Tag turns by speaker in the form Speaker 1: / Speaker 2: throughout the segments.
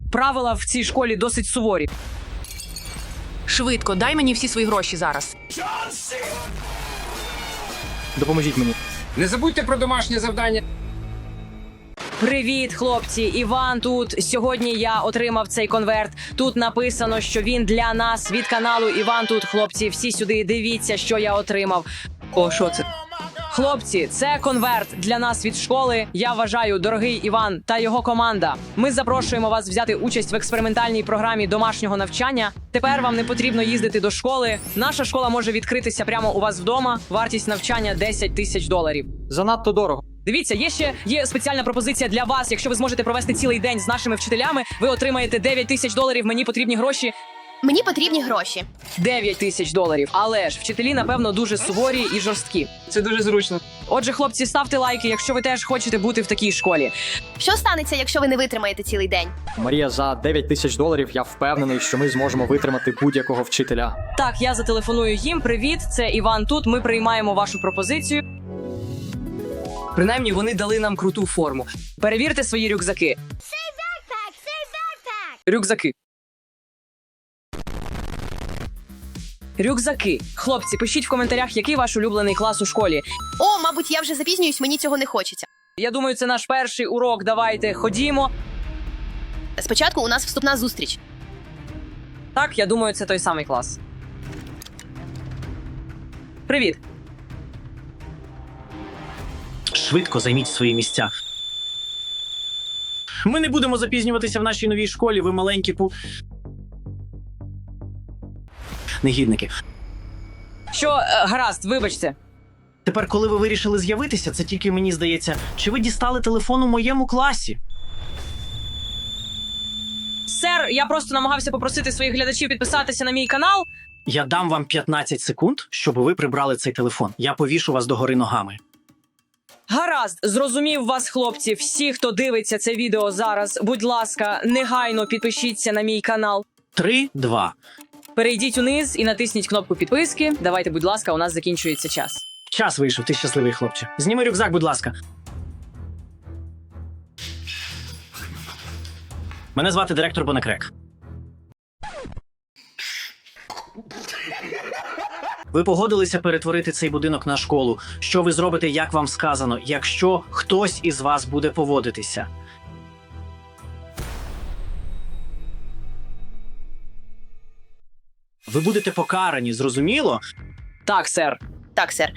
Speaker 1: Правила в цій школі досить суворі.
Speaker 2: Швидко, дай мені всі свої гроші зараз.
Speaker 3: Допоможіть мені.
Speaker 4: Не забудьте про домашнє завдання.
Speaker 1: Привіт, хлопці! Іван тут. Сьогодні я отримав цей конверт. Тут написано, що він для нас від каналу Іван тут. Хлопці, всі сюди дивіться, що я отримав.
Speaker 3: О, що це?
Speaker 1: Хлопці, це конверт для нас від школи. Я вважаю, дорогий Іван та його команда. Ми запрошуємо вас взяти участь в експериментальній програмі домашнього навчання. Тепер вам не потрібно їздити до школи. Наша школа може відкритися прямо у вас вдома. Вартість навчання $10 тисяч.
Speaker 3: Занадто дорого.
Speaker 1: Дивіться, є спеціальна пропозиція для вас. Якщо ви зможете провести цілий день з нашими вчителями, ви отримаєте $9 тисяч. Мені потрібні гроші.
Speaker 5: Мені потрібні гроші.
Speaker 1: $9 тисяч. Але ж вчителі, напевно, дуже суворі і жорсткі.
Speaker 3: Це дуже зручно.
Speaker 1: Отже, хлопці, ставте лайки, якщо ви теж хочете бути в такій школі.
Speaker 5: Що станеться, якщо ви не витримаєте цілий день?
Speaker 3: Марія, за $9 тисяч я впевнений, що ми зможемо витримати будь-якого вчителя.
Speaker 1: Так, я зателефоную їм. Привіт, це Іван тут. Ми приймаємо вашу пропозицію.
Speaker 6: Принаймні, вони дали нам круту форму.
Speaker 1: Перевірте свої рюкзаки. Рюкзаки. Рюкзаки. Хлопці, пишіть в коментарях, який ваш улюблений клас у школі.
Speaker 5: О, мабуть, я вже запізнююсь, мені цього не хочеться.
Speaker 1: Я думаю, це наш перший урок. Давайте, ходімо.
Speaker 5: Спочатку у нас вступна зустріч.
Speaker 1: Так, я думаю, це той самий клас. Привіт.
Speaker 7: Швидко займіть свої місця. Ми не будемо запізнюватися в нашій новій школі, ви маленькі негідники.
Speaker 1: Що, гаразд, вибачте.
Speaker 7: Тепер, коли ви вирішили з'явитися, це тільки мені здається, чи ви дістали телефон у моєму класі?
Speaker 1: Сер, я просто намагався попросити своїх глядачів підписатися на мій канал.
Speaker 7: Я дам вам 15 секунд, щоб ви прибрали цей телефон. Я повішу вас догори ногами.
Speaker 1: Гаразд, зрозумів вас, хлопці. Всі, хто дивиться це відео зараз, будь ласка, негайно підпишіться на мій канал.
Speaker 7: 3, 2.
Speaker 1: Перейдіть униз і натисніть кнопку підписки. Давайте, будь ласка, у нас закінчується час.
Speaker 7: Час вийшов, ти щасливий хлопче. Зніми рюкзак, будь ласка. Мене звати директор Бонекрек. Ви погодилися перетворити цей будинок на школу. Що ви зробите, як вам сказано, якщо хтось із вас буде поводитися? Ви будете покарані, зрозуміло?
Speaker 1: Так, сер.
Speaker 5: Так, сер.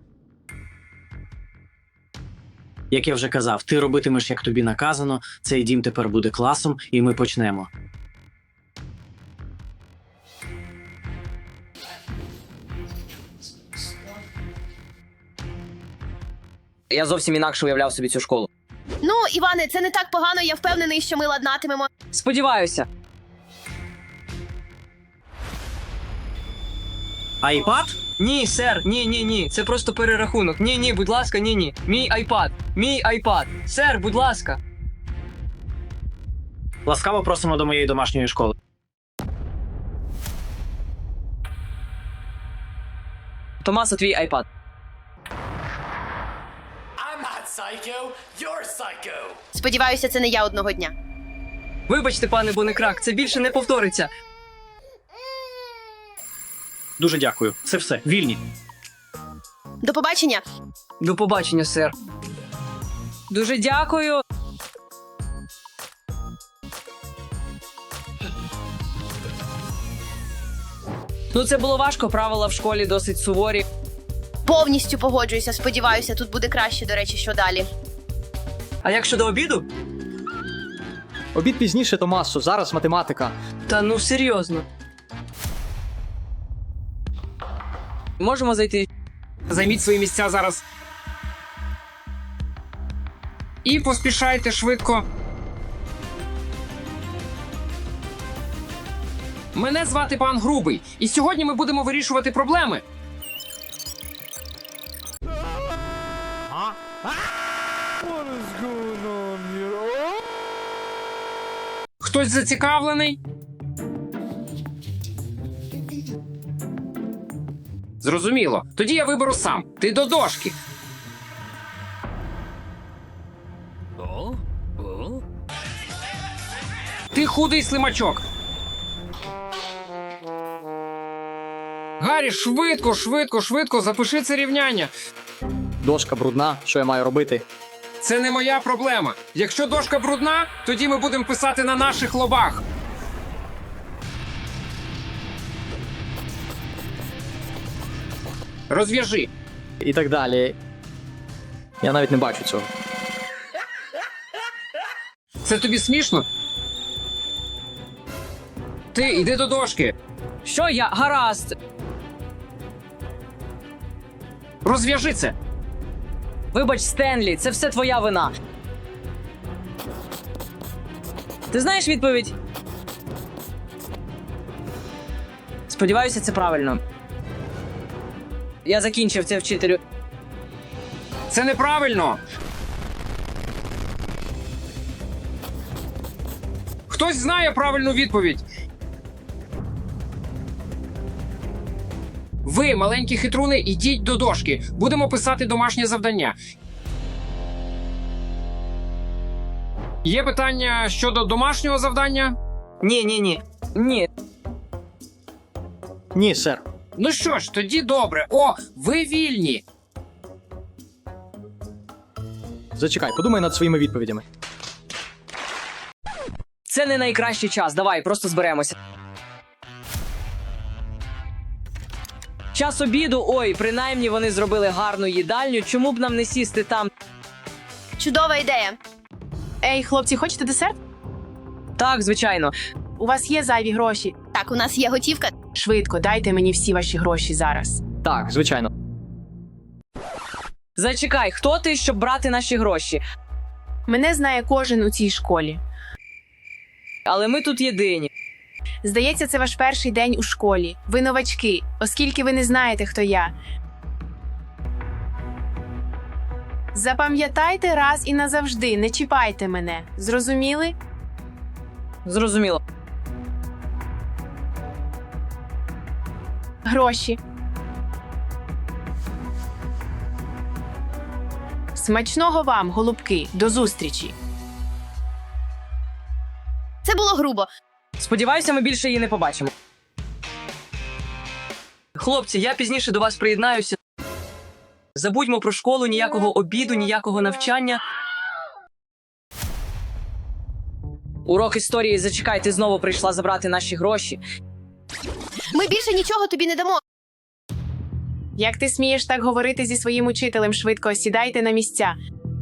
Speaker 7: Як я вже казав, ти робитимеш, як тобі наказано, цей дім тепер буде класом, і ми почнемо.
Speaker 1: Я зовсім інакше уявляв собі цю школу.
Speaker 5: Ну, Іване, це не так погано, я впевнений, що ми ладнатимемо.
Speaker 1: Сподіваюся.
Speaker 7: Айпад?
Speaker 6: Ні, сер, ні. Це просто перерахунок. Ні, будь ласка, ні. Мій айпад. Сер, будь ласка.
Speaker 7: Ласкаво просимо до моєї домашньої школи.
Speaker 1: Томасо, твій айпад.
Speaker 5: Сподіваюся, це не я одного дня.
Speaker 6: Вибачте, пане Бонекрак, це більше не повториться.
Speaker 7: Дуже дякую. Це все. Вільні.
Speaker 5: До побачення.
Speaker 6: До побачення, сер.
Speaker 1: Дуже дякую. Ну, це було важко, правила в школі досить суворі.
Speaker 5: Повністю погоджуюся, сподіваюся, тут буде краще, до речі, що далі.
Speaker 6: А як щодо обіду?
Speaker 3: Обід пізніше, Томасо, зараз математика.
Speaker 6: Та ну серйозно.
Speaker 1: Можемо зайти.
Speaker 4: Займіть свої місця зараз. І поспішайте швидко. Мене звати пан Грубий, і сьогодні ми будемо вирішувати проблеми. Хтось зацікавлений? Зрозуміло. Тоді я виберу сам. Ти до дошки. Ти худий слимачок. Гаррі, швидко, запиши це рівняння.
Speaker 3: Дошка брудна, що я маю робити?
Speaker 4: Це не моя проблема. Якщо дошка брудна, тоді ми будемо писати на наших лобах. Розв'яжи.
Speaker 3: І так далі. Я навіть не бачу цього.
Speaker 4: Це тобі смішно? Ти йди до дошки.
Speaker 1: Що я? Гаразд.
Speaker 4: Розв'яжи це.
Speaker 1: Вибач, Стенлі, це все твоя вина. Ти знаєш відповідь? Сподіваюся, це правильно. Я закінчив це, вчителю.
Speaker 4: Це неправильно. Хтось знає правильну відповідь. Ви, маленькі хитруни, ідіть до дошки. Будемо писати домашнє завдання. Є питання щодо домашнього завдання?
Speaker 6: Ні.
Speaker 1: Ні.
Speaker 3: Ні, сер.
Speaker 4: Ну що ж, тоді добре. О, ви вільні.
Speaker 3: Зачекай, подумай над своїми відповідями.
Speaker 1: Це не найкращий час. Давай, просто зберемося. Час обіду. Ой, принаймні вони зробили гарну їдальню. Чому б нам не сісти там?
Speaker 5: Чудова ідея.
Speaker 2: Ей, хлопці, хочете десерт?
Speaker 1: Так, звичайно.
Speaker 2: У вас є зайві гроші.
Speaker 5: Так, у нас є готівка.
Speaker 2: Швидко, дайте мені всі ваші гроші зараз.
Speaker 3: Так, звичайно.
Speaker 1: Зачекай, хто ти, щоб брати наші гроші?
Speaker 2: Мене знає кожен у цій школі.
Speaker 1: Але ми тут єдині.
Speaker 2: Здається, це ваш перший день у школі. Ви новачки, оскільки ви не знаєте, хто я. Запам'ятайте раз і назавжди, не чіпайте мене. Зрозуміли?
Speaker 1: Зрозуміло.
Speaker 2: Гроші. Смачного вам, голубки. До зустрічі.
Speaker 5: Це було грубо.
Speaker 1: Сподіваюся, ми більше її не побачимо.
Speaker 6: Хлопці, я пізніше до вас приєднаюся. Забудьмо про школу, ніякого обіду, ніякого навчання.
Speaker 1: Урок історії, зачекай, ти знову прийшла забрати наші гроші.
Speaker 5: Ми більше нічого тобі не дамо.
Speaker 2: Як ти смієш так говорити зі своїм учителем? Швидко сідайте на місця.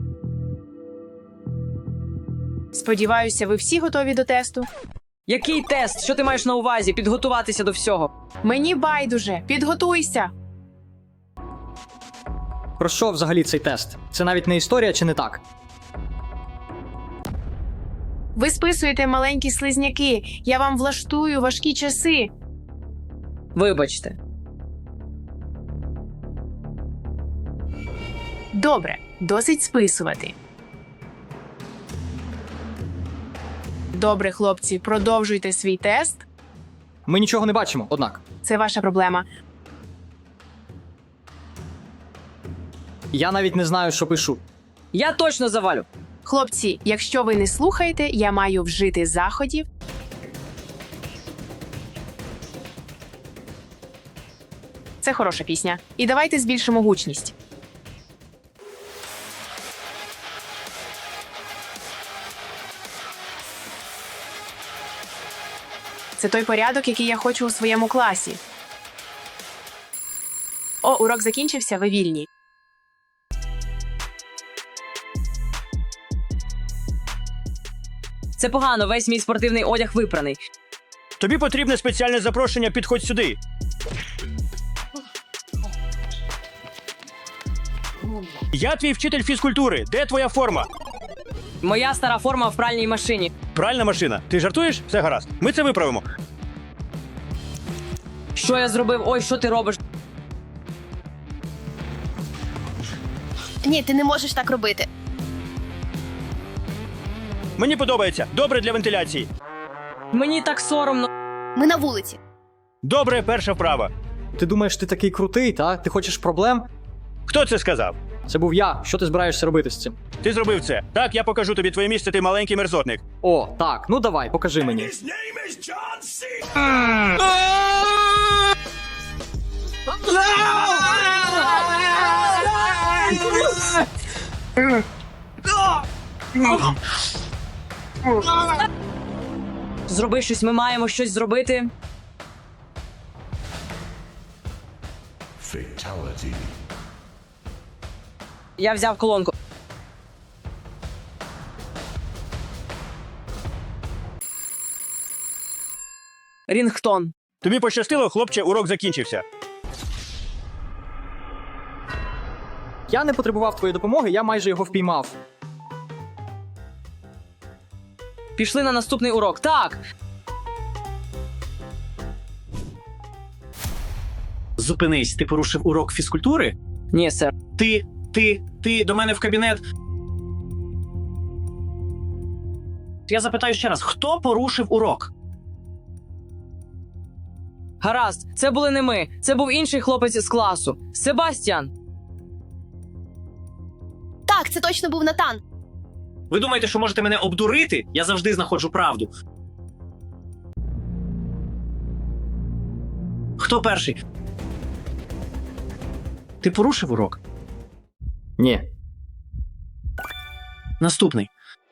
Speaker 2: Сподіваюся, ви всі готові до тесту?
Speaker 1: Який тест? Що ти маєш на увазі? Підготуватися до всього.
Speaker 2: Мені байдуже. Підготуйся.
Speaker 3: Про що взагалі цей тест? Це навіть не історія чи не так?
Speaker 2: Ви списуєте, маленькі слизняки. Я вам влаштую важкі часи.
Speaker 1: Вибачте.
Speaker 2: Добре, досить списувати. Добре, хлопці, продовжуйте свій тест.
Speaker 3: Ми нічого не бачимо, однак.
Speaker 2: Це ваша проблема.
Speaker 3: Я навіть не знаю, що пишу.
Speaker 1: Я точно завалю.
Speaker 2: Хлопці, якщо ви не слухаєте, я маю вжити заходів. Це хороша пісня. І давайте збільшимо гучність. Це той порядок, який я хочу у своєму класі. О, урок закінчився, ви вільні.
Speaker 1: Це погано, весь мій спортивний одяг випраний.
Speaker 8: Тобі потрібне спеціальне запрошення, підходь сюди. Я твій вчитель фізкультури. Де твоя форма?
Speaker 1: Моя стара форма в пральній машині.
Speaker 8: Пральна машина. Ти жартуєш? Все гаразд. Ми це виправимо.
Speaker 1: Що я зробив? Ой, що ти робиш?
Speaker 5: Ні, ти не можеш так робити.
Speaker 8: Мені подобається. Добре для вентиляції.
Speaker 1: Мені так соромно.
Speaker 5: Ми на вулиці.
Speaker 8: Добре, перша вправа.
Speaker 3: Ти думаєш, ти такий крутий, та? Ти хочеш проблем?
Speaker 8: Хто це сказав?
Speaker 3: Це був я. Що ти збираєшся робити з цим?
Speaker 8: Ти зробив це. Так, я покажу тобі твоє місце, ти маленький мерзотник.
Speaker 3: О, так, ну давай, покажи мені.
Speaker 1: Зроби щось, ми маємо щось зробити. Я взяв колонку. Рінгтон.
Speaker 8: Тобі пощастило, хлопче, урок закінчився.
Speaker 3: Я не потребував твоєї допомоги, я майже його впіймав.
Speaker 1: Пішли на наступний урок. Так.
Speaker 7: Зупинись, ти порушив урок фізкультури?
Speaker 1: Ні, сер.
Speaker 7: Ти до мене в кабінет. Я запитаю ще раз, хто порушив урок?
Speaker 1: Гаразд, це були не ми. Це був інший хлопець з класу. Себастьян.
Speaker 5: Так, це точно був Натан.
Speaker 7: Ви думаєте, що можете мене обдурити? Я завжди знаходжу правду. Хто перший? Ти порушив урок?
Speaker 3: Ні.
Speaker 7: Наступний.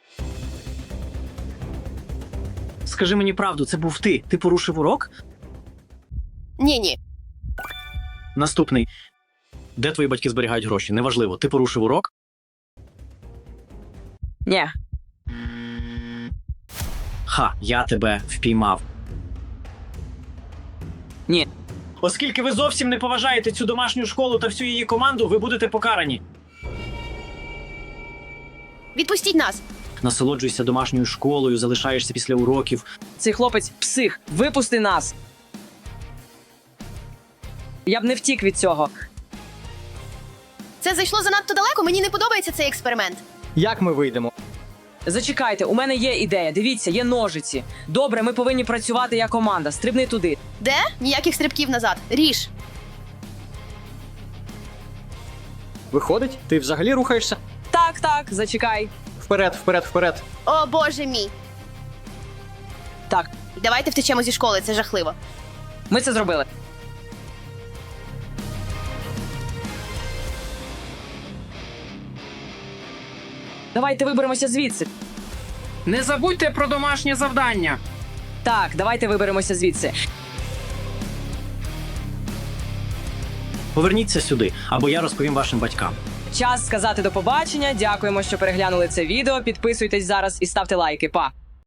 Speaker 7: Скажи мені правду, це був ти. Ти порушив урок?
Speaker 5: Ні.
Speaker 7: Наступний. Де твої батьки зберігають гроші? Неважливо. Ти порушив урок?
Speaker 1: Ні.
Speaker 7: Ха, я тебе впіймав.
Speaker 1: Ні.
Speaker 7: Оскільки ви зовсім не поважаєте цю домашню школу та всю її команду, ви будете покарані.
Speaker 5: Відпустіть нас.
Speaker 7: Насолоджуйся домашньою школою, залишаєшся після уроків.
Speaker 1: Цей хлопець псих. Випусти нас. Я б не втік від цього.
Speaker 5: Це зайшло занадто далеко, мені не подобається цей експеримент.
Speaker 3: Як ми вийдемо?
Speaker 1: Зачекайте, у мене є ідея. Дивіться, є ножиці. Добре, ми повинні працювати як команда. Стрибни туди.
Speaker 5: Де? Ніяких стрибків назад. Ріж.
Speaker 3: Виходить, ти взагалі рухаєшся?
Speaker 1: Так, зачекай.
Speaker 3: Вперед.
Speaker 5: О, боже мій.
Speaker 1: Так,
Speaker 5: Давайте втечемо зі школи, це жахливо.
Speaker 1: ми це зробили. Давайте виберемося звідси.
Speaker 4: Не забудьте про домашнє завдання.
Speaker 1: Так, давайте виберемося звідси.
Speaker 7: Поверніться сюди, або я розповім вашим батькам.
Speaker 1: Час сказати до побачення. Дякуємо, що переглянули це відео. Підписуйтесь зараз і ставте лайки. Па!